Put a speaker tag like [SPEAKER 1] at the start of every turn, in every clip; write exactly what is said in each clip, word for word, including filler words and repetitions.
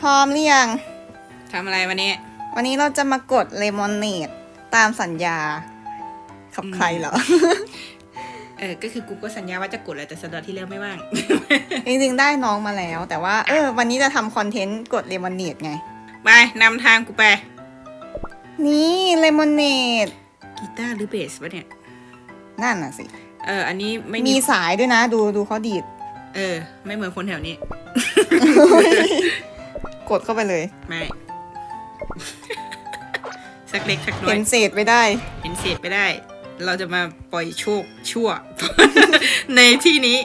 [SPEAKER 1] ร้อมหรือยัง
[SPEAKER 2] ทำอะไรวันนี้
[SPEAKER 1] วันนี้เราจะมากดเลมอนเนดตามสัญญากับใครเหรอ
[SPEAKER 2] เออก็คือกูก็สัญญาว่าจะกดแหละแต่สัปดาห์ที่แล้วไม่ว่าง
[SPEAKER 1] จริงๆได้น้องมาแล้วแต่ว่าเออวันนี้จะทำคอนเทนต์กดเลมอนเนดไง
[SPEAKER 2] ไปนำทางกูไป
[SPEAKER 1] นี่เลมอนเนด
[SPEAKER 2] กีตาร์หรือเบสวะเนี่ย
[SPEAKER 1] นั่นน่ะสิ
[SPEAKER 2] เอออันนี้ไม่
[SPEAKER 1] มีสายด้วยนะดูดูเขาดีด
[SPEAKER 2] เออไม่เหมือนคนแถวนี้
[SPEAKER 1] กดเข้าไปเลย
[SPEAKER 2] ไม่ สักเล็กสักน้อย
[SPEAKER 1] เห็นเศษไปได้
[SPEAKER 2] เห็นเศษไปได้เราจะมาปล่อยโชคชั่ว ในที่นี้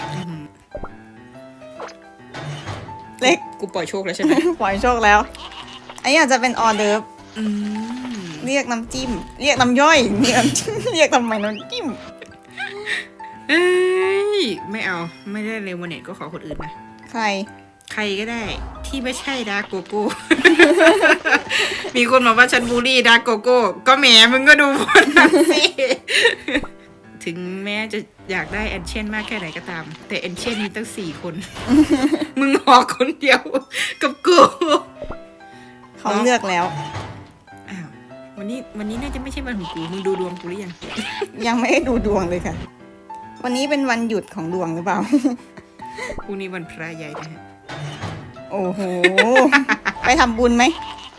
[SPEAKER 1] เล็ก
[SPEAKER 2] กูปล่อยโชคแล้วใช่ไหม
[SPEAKER 1] ปล่อยโชคแล้วอันนี้อาจจะเป็นออเดิร์ฟ
[SPEAKER 2] อืม
[SPEAKER 1] เรียกน้ำจิ้มเรียกน้ำย่อยเรียกน้ำจิ้มเรียกทำไมน้ำจิ้ม
[SPEAKER 2] เอ้ยไม่เอาไม่ได้เลมอนเนดก็ขอคนอื่นนะ
[SPEAKER 1] ใคร
[SPEAKER 2] ใครก็ได้ที่ไม่ใช่ดาร์กโกโก้ มีคนบอกว่าฉันบูลลี่ดาร์กโกโก้ก็แหมมึงก็ดูคนนั้นสิ ถึงแม้จะอยากได้แอนเชนมากแค่ไหนก็ตามแต่แอนเชนมีตั้งสี่คน มึงออกคนเดียวกับกู
[SPEAKER 1] เขาเลือกแล้ว
[SPEAKER 2] อ้าววันนี้วันนี้น่าจะไม่ใช่วันของกูมึงดูดวงกูหรือยัง
[SPEAKER 1] ยังไม่ได้ดูดวงเลยค่ะวันนี้เป็นวันหยุดของดวงหรือเปล่า
[SPEAKER 2] พรุ่งนี้วันพระใหญ่นะฮะ
[SPEAKER 1] โอ้โห ไปทำบุญไหม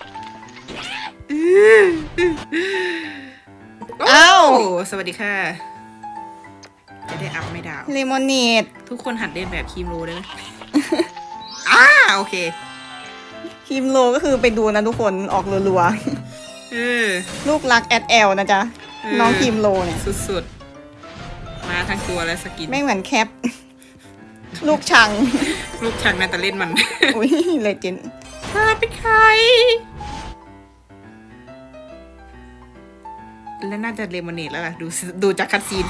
[SPEAKER 2] อ้าวสวัสดีค่ะจะได้อัพไม่ดาว
[SPEAKER 1] เลมอนเนด
[SPEAKER 2] ทุกคนหัดเล่นแบบคีมโรได้ไหม อ้าโอเค
[SPEAKER 1] คีมโรก็คือไปดูนะทุกคนออกรัวๆลูกรักแอดแอลนะจ๊ะน้องคีมโรเนี่ย
[SPEAKER 2] สุดๆมาทั้งตัวและสกิน
[SPEAKER 1] ไม่เหมือนแคปลูกชัง
[SPEAKER 2] ลูกชังน่าจะเล่นมัน
[SPEAKER 1] อุ้ยเลเจนด์
[SPEAKER 2] เธอเป็นใครแล้วน่าจะเลมอนเนดแล้วล่ะดูดูจากคัตซีน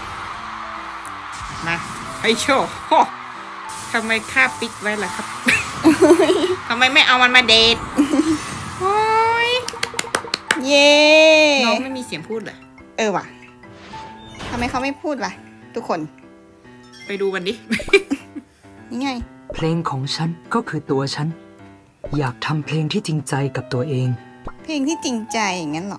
[SPEAKER 2] มาไอโชว์ทำไมค่าปิกไว้ล่ะครับ ทำไมไม่เอามันมาเดทโอ้ย
[SPEAKER 1] เย่
[SPEAKER 2] น้องไม่มีเสียงพูดเหรอ
[SPEAKER 1] เออว่ะทำไมเขาไม่พูดวะทุกคน
[SPEAKER 2] ไปดูมันดิ
[SPEAKER 1] นี่ไง
[SPEAKER 3] เพลงของฉันก็คือตัวฉันอยากทำเพลงที่จริงใจกับตัวเอง
[SPEAKER 1] เพลงที่จริงใจอย่างนั้นหรอ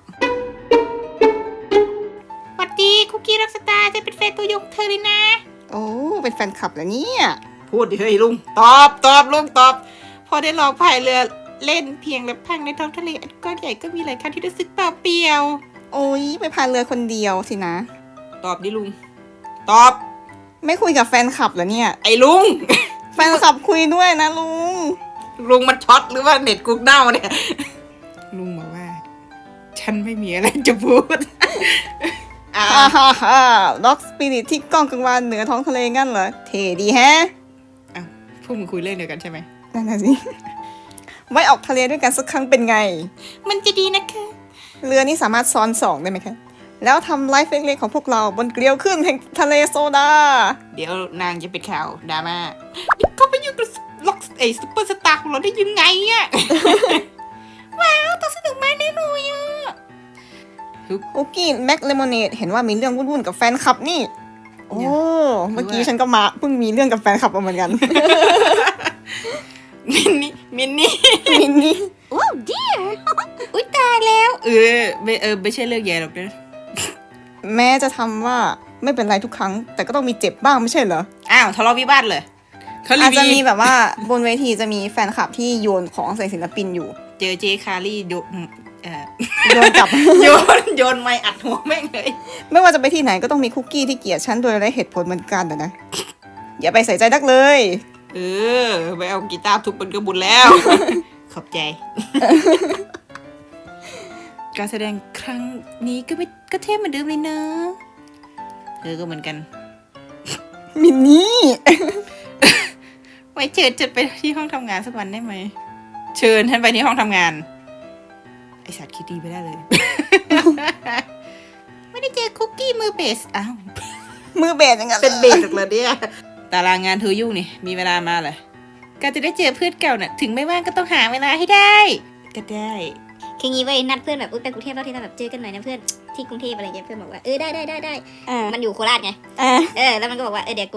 [SPEAKER 2] สวัสดีคุกกี้รักสตาร์จะเป็นแฟนตัวยงเธอเลยนะ
[SPEAKER 1] โอ้เป็นแฟนคลับแล้วเนี่ย
[SPEAKER 2] พูดดิเฮ้ยลุงตอบตอบลุงตอบพอได้ลองพายเรือเล่นเพียงและพังในท้องทะเลอันก้อนใหญ่ก็มีหลายครั้งที่รู้สึกเปล่าเปลี่ยว
[SPEAKER 1] โอ้ยไปพายเรือคนเดียวสินะ
[SPEAKER 2] ตอบดิลุงตอบ
[SPEAKER 1] ไม่คุยกับแฟนคลับเหรอเนี่ย
[SPEAKER 2] ไอ้ลุง
[SPEAKER 1] แฟนคลับคุยด้วยนะลุง
[SPEAKER 2] ลุงมันช็อตหรือว่าเน็ตกูเน่าเนี่ยลุงบอกว่าฉันไม่มีอะไรจะพูด
[SPEAKER 1] อ่าฮ่าฮ่าล็อกสปิริตที่ก้องกังวานเหนือท้องทะเลงั้นเหรอเท่ดีแฮะ
[SPEAKER 2] อ้าวพวกมึงคุยเรื่องเดียวกันใช่ไหม
[SPEAKER 1] นั่นน่ะสิไว้ออกทะเลด้วยกันสักครั้งเป็นไง
[SPEAKER 2] มันจะดีนะคะ
[SPEAKER 1] เรือนี้สามารถซ้อนสองได้ไหมคะแล้วทำไลฟ์เล็กๆของพวกเราบนเกลียวขึ้นแห่งทะเลโซดา
[SPEAKER 2] เดี๋ยวนางจะเป็นข่าวดราม่าเขาไปยุ่งกับล็อกไอ้ซุปเปอร์สตาร์ของเราได้ยังไงอ่ะ ว้าวต้องสนุกมากแน่นอนอ่ะ
[SPEAKER 1] คุกกี้แม็กเลมอนเนดเห็นว่ามีเรื่องวุ่นๆกับแฟนคลับนี่โอ้เมื่อกี้ฉันก็มาเพิ่งมีเรื่องกับแฟนคลับมาเหมือนกัน
[SPEAKER 2] มินนี่มินนี่
[SPEAKER 1] มินนี่
[SPEAKER 2] โอ้เดียอุ้ยตายแล้วเออไม่เออไม่ใช่เรื่องใหญ่หรอกนะ
[SPEAKER 1] แม้จะทำว่าไม่เป็นไรทุกครั้งแต่ก็ต้องมีเจ็บบ้างไม่ใช่เหรอ
[SPEAKER 2] อ้าวทะเลาะวิวาทเลย
[SPEAKER 1] อาจจะมีแบบว่าบนเวทีจะมีแฟนคลับที่โยนของใส่ศิลปินอยู่
[SPEAKER 2] เจอเจคารี่โยนเอ่อ
[SPEAKER 1] โยนกลับ
[SPEAKER 2] โยนโยนไม้อัดหัวแม่งเลย
[SPEAKER 1] ไม่ว่าจะไปที่ไหนก็ต้องมีคุกกี้ที่เกลียดฉันโดยไร้เหตุผลเหมือนกันนะอย่าไปใส่ใจนักเลย
[SPEAKER 2] เออไปเอากีตาร์ทุบมันก็บุญแล้ว ขอบใจ การแสดงครั้งนี้ก็ไม่ก็เทพเหมือนเดิมเลยเนอะเธอก็เหมือนกัน
[SPEAKER 1] มินนี่
[SPEAKER 2] ไว้เชิญจะไปที่ห้องทำงานสักวันได้ไหมเชิญท่านไปที่ห้องทำงานไอสัตว์คิดดีไปได้เลย ไม่ได้เจอคุกกี้มือเบสอ้าว
[SPEAKER 1] มือเบสยังไง
[SPEAKER 2] เป็นเบสเลยเนี่ยตารางงานเธอยุ่งนี่มีเวลามาเลยการจะได้เจอเพื่อนเก่าน่ะถึงไม่ว่างก็ต้องหาเวลาให้ได้ก็ได้
[SPEAKER 4] คืองี้ไว้นัดเพื่อนแบบอุ้ยไปกรุงเทพแล้วที่เราแบบเจอกันหน่อยนะเพื่อนที่กรุงเทพอะไรเงี้ยเพื่อนบอกว่าเออได้ได้ได้ได้มันอยู่โคราชไงเออแล้วมันก็บอกว่าเออเดี๋ยวกู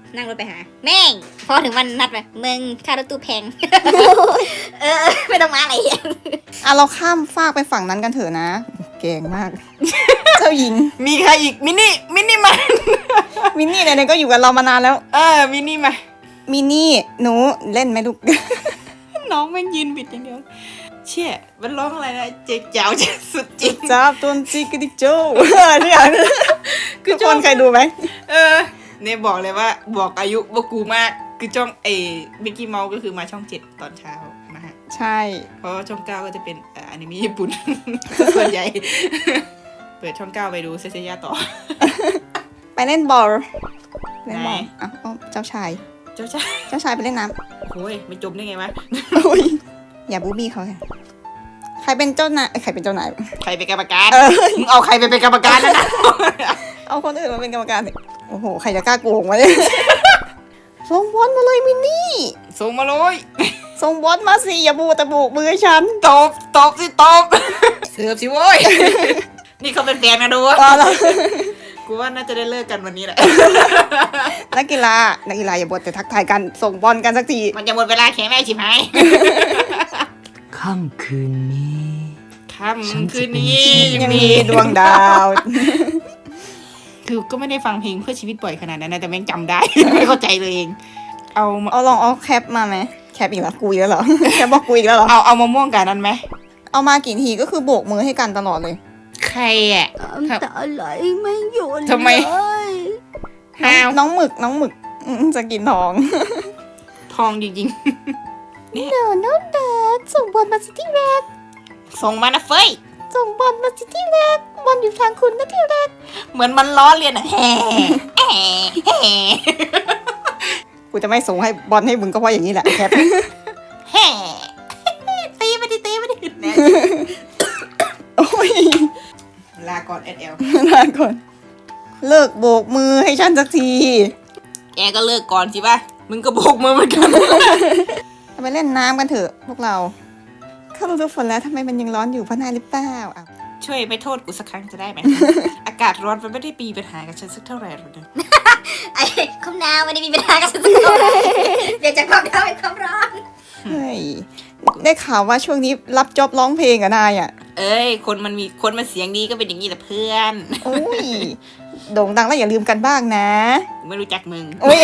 [SPEAKER 4] นั่งรถไปหา แม่ง พอถึงวันนัดไปมึงค่ารถตู้แพง เออ ไม่ต้องมาอะไรอย่าง
[SPEAKER 1] อ่ะเราข้ามฟากไปฝั่งนั้นกันเถอะนะ เก่งมาก เจ้าหญิง
[SPEAKER 2] มีใครอีกมินี่มินี่มา
[SPEAKER 1] มินนี่ไหนๆก็อยู่กับเรามานานแล้ว
[SPEAKER 2] เออมินี่มา
[SPEAKER 1] มินนี่หนูเล่นไหมลูก
[SPEAKER 2] น้องแม่งยืนบิดอย่างเดียวเชี่ยมันร้องอะไรนะเจ๊เจ้าจะสุดจริง
[SPEAKER 1] จ้าบต้นจิกกดิกโจ้เนี่ยคือทุกคนเคยดูไหม
[SPEAKER 2] เออเนี่ยบอกเลยว่าบอกอายุว่ากูมากคือจ้องเอมิกกี้เมาส์ก็คือมาช่องเจ็ดตอนเช้ามาฮะ
[SPEAKER 1] ใช่
[SPEAKER 2] เพราะว่าช่องเก้าก็จะเป็นเอ่ออนิเมะญี่ปุ่น ส่วนใหญ่ เปิดช่องเก้าไปดูเซเซียต่อ
[SPEAKER 1] ไปเล่นบอลเล่นบอล
[SPEAKER 2] ไหน
[SPEAKER 1] อ้าวอ้าวเจ้าชาย
[SPEAKER 2] เจ้าชาย
[SPEAKER 1] เจ้าชายไปเล่นน้
[SPEAKER 2] โอ้ยไม่จมได้ไงวะ
[SPEAKER 1] ำโอ้ยอย่าบูบี้เขาค่ะใครเป็นเจ้านายเอ้ยใครเป็นเจ้านาย
[SPEAKER 2] ใครเป็นกรรมการ
[SPEAKER 1] เออ
[SPEAKER 2] มึงเอาใครไปเป็นกรรมการแล้วนะ
[SPEAKER 1] เอาคนอื่นมาเป็นกรรมการสิโอ้โหใครจะกล้าโกงวะเนี่ยส่งบอลมาเลยมินนี่
[SPEAKER 2] ส่งมาเลย
[SPEAKER 1] ส่งบอลมาสิอย่าบูแต่บุกมือฉัน
[SPEAKER 2] ตบตบสิตบ เสิร์ฟสิโว้ย นี่เขาเป็นแฟนกันดูวะ
[SPEAKER 1] เอาละ
[SPEAKER 2] กูว่าน่าจะได้เลิกกันวันนี้แหละ
[SPEAKER 1] นักกีฬานักกีฬาอย่าบดแต่ทักทายกันส่งบอลกันสักที
[SPEAKER 2] มันจะหมดเวลาแข่งได้ชิบหาย
[SPEAKER 3] ค่ำคืนนี้
[SPEAKER 2] ค่ำคืนนี้
[SPEAKER 1] ยังมีดวงดาว
[SPEAKER 2] คือก็ไม่ได้ฟังเพลงเพื่อชีวิตบ่อยขนาดนั้นนะแต่แม่งจำได้ ไม่เข้าใจเลยเอง เอามา
[SPEAKER 1] เอาลองเอาแคปมาไหมแคปอีกแล้วกุยแล้วเหรอ แคปบอกกุยอีกแล้วเหรอ
[SPEAKER 2] เอาเอามะม่วงกับนั้นไหม
[SPEAKER 1] เอามากี่ทีก็คือโบกมือให้กันตลอดเลย
[SPEAKER 2] ใครอ่ะ
[SPEAKER 4] น้ำตาไหลไม่หยุด
[SPEAKER 2] ทำไม
[SPEAKER 4] เลย
[SPEAKER 2] ห้าว
[SPEAKER 1] น้องหมึกน้องหมึกอืมจะกินทอง
[SPEAKER 2] ทองจริง
[SPEAKER 1] เดี๋ยวน้องแดดส่งบอลมาสิที่แรก
[SPEAKER 2] ๆ ส่งมานะเฟ้ย
[SPEAKER 1] ส่งบอลมาสิที่แรกบอลอยู่ทางคุณนะที่แรก
[SPEAKER 2] เหมือนมันล้อเลียนอ่ะแฮ่แฮ่แฮ่
[SPEAKER 1] กูจะไม่ส่งให้บอลให้มึงก็เพราะอย่างนี้แหละแคป
[SPEAKER 2] แฮ่ตีไปดิตีไปดิแน่
[SPEAKER 1] โอ้ย
[SPEAKER 2] ลาก่อนแอดแอล
[SPEAKER 1] ลาก่อนเลิกโบกมือให้ฉันสักที
[SPEAKER 2] แกก็เลิกก่อนสิป่ะ มึงก็โบกมือเหมือนกัน
[SPEAKER 1] ไปเล่นน้ำกันเถอะพวกเราเข้าฤดูฝนแล้วทำไมมันยังร้อนอยู่เพราะนายหรือเปล่าอ่ะ
[SPEAKER 2] ช่วยไม่โทษกูสักครั้งจะได้ไหม อากาศร้อนมันไม่ได้ปีปัญหากับฉันสักเท่าไหร่หรอกนะ
[SPEAKER 4] ไอ้คำนาวไม่ได้มีปัญหากับสักคนเปลี่ยนจากความหนาวเป็นความร้อน
[SPEAKER 1] เฮ้ยได้ข่าวว่าช่วงนี้รับจ็อบร้องเพลงกับนายอ่ะ
[SPEAKER 2] เอ้ย คนมันมีคนมันเสียงดีก็เป็นอย่างนี้แหละเพื่อน
[SPEAKER 1] โอ้ยโด่งดังแล้วอย่าลืมกันบ้างนะ
[SPEAKER 2] ไม่รู้จักมึง
[SPEAKER 1] โอ้ย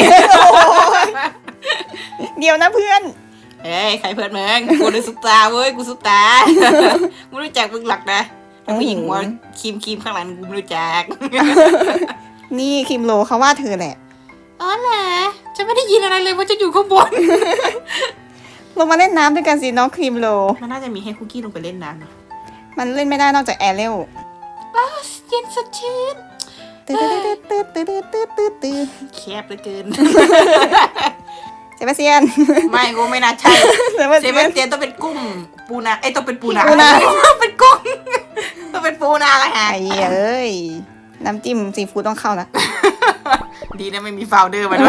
[SPEAKER 1] เดี๋ยวนะเพื่อน
[SPEAKER 2] เอ้ยใครเพื่อนมึงกูเป็นซุปตาเว้ยกูซุปตา ไม่รู้จักมึงหลักนะแต่ผู้หญิงหัวครีมครีมข้างหลังกูไม่รู้จัก
[SPEAKER 1] นี่คิมโลเขาว่าเธอแหละ
[SPEAKER 2] อ๋อเหรอฉันไม่ได้ยินอะไรเลยว่าจะอยู่ข้างบน
[SPEAKER 1] ลงมาเล่นน้ำด้วยกันสิน้องครีมโล
[SPEAKER 2] มันน่าจะมีให้คุกกี้ลงไปเล่นน้ำนะ
[SPEAKER 1] มันเล่นไม่ได้นอกจากแอร์เรล
[SPEAKER 2] อ้าวเย็นสดชื่น
[SPEAKER 1] ตืดตืดตืดตืดตืดตืดตืด
[SPEAKER 2] แคบเหลือเกิน
[SPEAKER 1] เซบาสเตียน
[SPEAKER 2] ไม่กูไม่น่าใช่
[SPEAKER 1] เซบาส
[SPEAKER 2] เซ
[SPEAKER 1] เตี
[SPEAKER 2] เว่
[SPEAKER 1] ย
[SPEAKER 2] น
[SPEAKER 1] น
[SPEAKER 2] เตียนต้องเป็นกุ้งปูนาไอ้ยต้องเป็นปูนา
[SPEAKER 1] ปูนา
[SPEAKER 2] เป็นกุ้งต้องเป็นปูนาละฮะ
[SPEAKER 1] ไอ้เอ้ยน้ำจิ้มซีฟู้ดต้องเข้านะ
[SPEAKER 2] ดีนะไม่มีฟาวเดอร์มาด้วย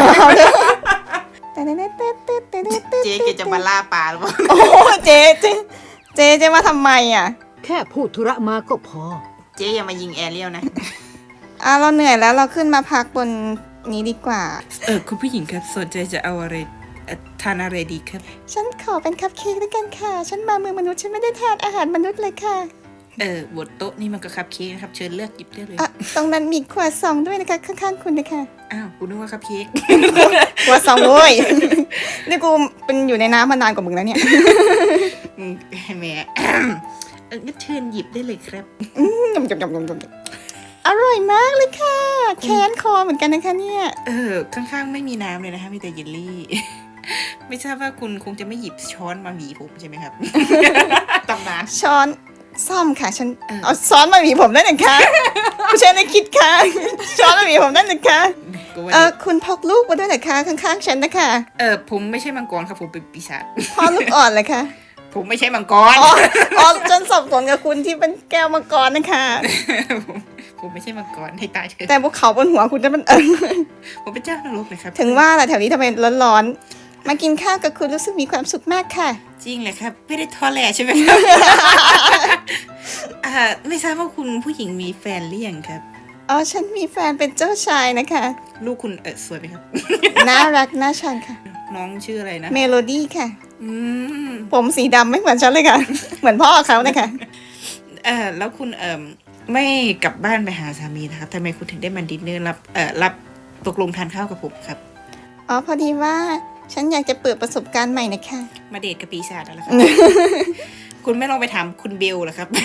[SPEAKER 2] เจ๊แกจะมาล่าปลาหรือเปล่า
[SPEAKER 1] โอ้เจเจเจเจมาทำไมอ่ะ
[SPEAKER 3] แค่พูดธุระมาก็พอ
[SPEAKER 2] เจ๊อย่ามายิงแอเรียลนะ
[SPEAKER 1] อ่ะเราเหนื่อยแล้วเราขึ้นมาพักบนนี้ดีกว่า
[SPEAKER 2] เออคุณผู้หญิงครับสนใจจะเอาอะไรเอ่อทานอะไรดีครับ
[SPEAKER 1] ฉันขอเป็นคัพเค้กด้วยกันค่ะ ฉันมาเมืองมนุษย์ฉันไม่ได้ทานอาหารมนุษย์เลยค่ะ
[SPEAKER 2] เออบนโต๊ะนี่มันก็คัพเค้กนะครับ เชิญเลือกหยิบได้เลย
[SPEAKER 1] อ่ะตรงนั้นมีขวดซองด้วยนะคะข้างๆคุณนะคะ
[SPEAKER 2] อ้าวกูนึกว่าคัพเค้ก
[SPEAKER 1] ขวดซองโว้ย นี่กูเป็นอยู่ในน้ำมานานกว่ามึงแล้วเนี่ย
[SPEAKER 2] อืมแหม่ เอองั้นเชิญหยิบได้เลยครับ
[SPEAKER 1] จมจมจมจมจมอร่อยมากเลยค่ะแค้นคอเหมือนกันนะคะเนี่ย
[SPEAKER 2] เออข้างๆไม่มีน้ำเลยนะคะมีแต่เยลลี่ ไม่ทราบว่าคุณคงจะไม่หยิบช้อนมาหวีผมใช่ไหมครับ ตำนาน
[SPEAKER 1] ช้อนซ่อมค่ะ ฉัน
[SPEAKER 2] เออ
[SPEAKER 1] เอาช้อนมาหวีผมได้หนึ่งค่ะผู้ชายในคิดค่ะ ช้อนมาหวีผมได้หนึ่งค่ะ
[SPEAKER 2] กูว่า
[SPEAKER 1] เออคุณพกลูกมาด้วยนะคะข้างๆฉันนะคะ
[SPEAKER 2] เออผมไม่ใช่มังกรครับผมเป็นปีศาจ
[SPEAKER 1] พ่อลูกอ่อนเลยค่ะ
[SPEAKER 2] ผมไม่ใช่มังกร
[SPEAKER 1] อ๋ออ๋อจนสับสนกับคุณที่เป็นแก้วมังกรนะคะ
[SPEAKER 2] ผมผมไม่ใช่มังกรให้ตายเถอะ
[SPEAKER 1] แต่ภูเขาบนหัวคุณจะมันเออ
[SPEAKER 2] ผมเป็นเจ้านรกเลยครับ
[SPEAKER 1] ถึงว่าแหละแถวนี้ทำไมร้อนๆมากินข้าวกับคุณรู้สึกมีความสุขมากค่ะ
[SPEAKER 2] จริงเลยครับ ไม่ได้ทอแหลใช่ไหมครับ อ่าไม่ทราบว่าคุณผู้หญิงมีแฟนหรือยังครับ
[SPEAKER 1] อ๋อฉันมีแฟนเป็นเจ้าชายนะคะ
[SPEAKER 2] ลูกคุณเออสวยไหมครับ
[SPEAKER 1] น่ารักน่าชังค่ะ
[SPEAKER 2] น้องชื่ออะไรนะ
[SPEAKER 1] เมโลดี้ค่ะ
[SPEAKER 2] อืม
[SPEAKER 1] ผมสีดำไม่เหมือนฉันเลยค่ะ เหมือนพ่อเขานะคะ
[SPEAKER 2] เออแล้วคุณเอ่อไม่กลับบ้านไปหาสามีนะครับทำไมคุณถึงได้มาดินเนอร์รับเอ่อรับตกลงทานข้าวกับผมครับ
[SPEAKER 1] อ๋อพอดีว่าฉันอยากจะเปิดประสบการณ์ใหม่นะคะ
[SPEAKER 2] มาเดทกับปีศาจอะไรครับ คุณไม่ลองไปถามคุณเบลเหรอครับ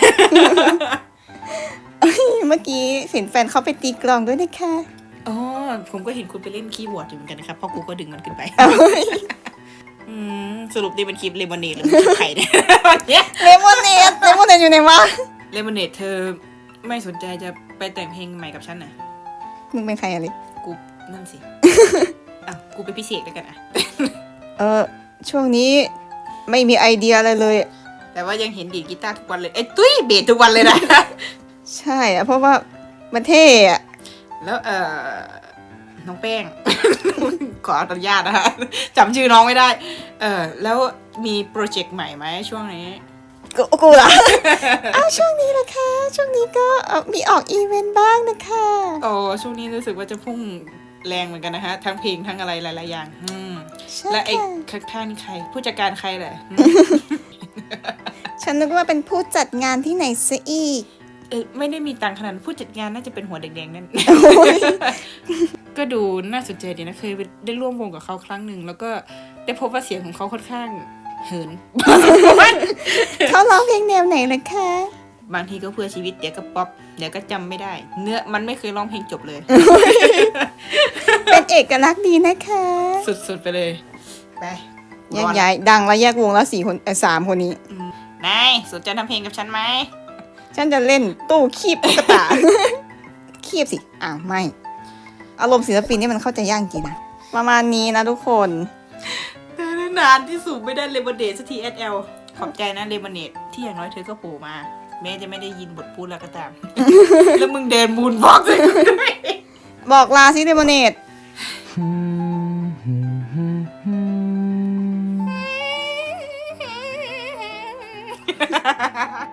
[SPEAKER 1] เมื่อกี้เห็นแฟนเขาไปตีกลองด้วยนะคะ
[SPEAKER 2] อ๋อ ผมก็เห็นคุณไปเล่นคีย์บอร์ดอยู่เหมือนกันนะครับเพราะกูก็ดึงมันขึ้นไป อืมสรุปนี่เป็นคลิปเลมอนเนดหรือมันคลิปไข่เนี่ย วันเนี้ย
[SPEAKER 1] เลมอนเนดเลมอนเนดอยู่ไหนวะ
[SPEAKER 2] เลมอนเนดเธอไม่สนใจจะไปแต่งเพลงใหม่กับฉันน่ะ
[SPEAKER 1] มึงเป็นใครอะไร
[SPEAKER 2] กูนั่นสิ อ่ะกูเป็นพิเศษแล้วกันอ่ะ
[SPEAKER 1] เออช่วงนี้ไม่มีไอเดียอะไรเลย
[SPEAKER 2] แต่ว่ายังเห็นดีดกีตาร์ทุกวันเลยไอ้ยตุ้ยเบสทุกวันเลยนะ
[SPEAKER 1] ใช่อะเพราะว่ามันเท่อะ
[SPEAKER 2] แล้วเอ่อน้องแป้ง ขออนุญาตนะคะจำชื่อน้องไม่ได้ เออแล้วมีโปรเจกต์ใหม่ไหมช่วงนี้
[SPEAKER 1] กูกูเหรอ อ้าวช่วงนี้นะคะ ช่วงนี้ก็เอ่อมีออกอีเวนต์บ้างนะคะ
[SPEAKER 2] โอ้ช่วงนี้รู้สึกว่าจะพุ่งแรงเหมือนกันนะคะทั้งเพลงทั้งอะไรหลายๆอย่าง อืม
[SPEAKER 1] ใช่
[SPEAKER 2] และไอ้
[SPEAKER 1] ค่ะ
[SPEAKER 2] ข้างๆนี่ใคร ผู้จัดการใครแหละอืม
[SPEAKER 1] ฉันนึกว่าเป็นผู้จัดงานที่ไหนซะอีก
[SPEAKER 2] เออไม่ได้มีตังค์ขนาดนั้นผู้จัดงานน่าจะเป็นหัวแดงๆนั่น ก็ดูน่าสนใจดีนะเคยได้ร่วมวงกับเขาครั้งหนึ่งแล้วก็ได้พบว่าเสียงของเขาค่อนข้างเหิน
[SPEAKER 1] เขาร้องเพลงแนวไหนล่ะคะ
[SPEAKER 2] บางทีก็เพื่อชีวิตเดี๋ยวก็ป๊อปเดี๋ยวก็จำไม่ได้ เนื้อมันไม่เคยร้องเพลงจบเลย
[SPEAKER 1] เป็นเอกลักษณ์ดีนะคะ
[SPEAKER 2] สุดๆไปเลยไป
[SPEAKER 1] แยกย้ายดังแล้วแยกวงแล้วสี่คนเออสามคนนี้
[SPEAKER 2] นายสนใจทำเพลงกับฉันไหม
[SPEAKER 1] ฉันจะเล่นตู้คีบตุ๊กตา คีบสิ อ้าว ไม่ อารมณ์ศิลปินนี่มันเข้าใจยากจริงนะ ประมาณนี้นะทุกคน
[SPEAKER 2] แต่นานที่สูบไม่ได้เลมอนเดทสักที เอส แอล ขอบใจนะเลมอนเดทที่อย่างน้อยเธอก็โผล่มา แม้จะไม่ได้ยินบทพูดแล้วก็ตาม แล้วมึงเดินมูนวอล์กเลยกูด้วย
[SPEAKER 1] บอกลาซิเดโมเนต
[SPEAKER 3] Hmm.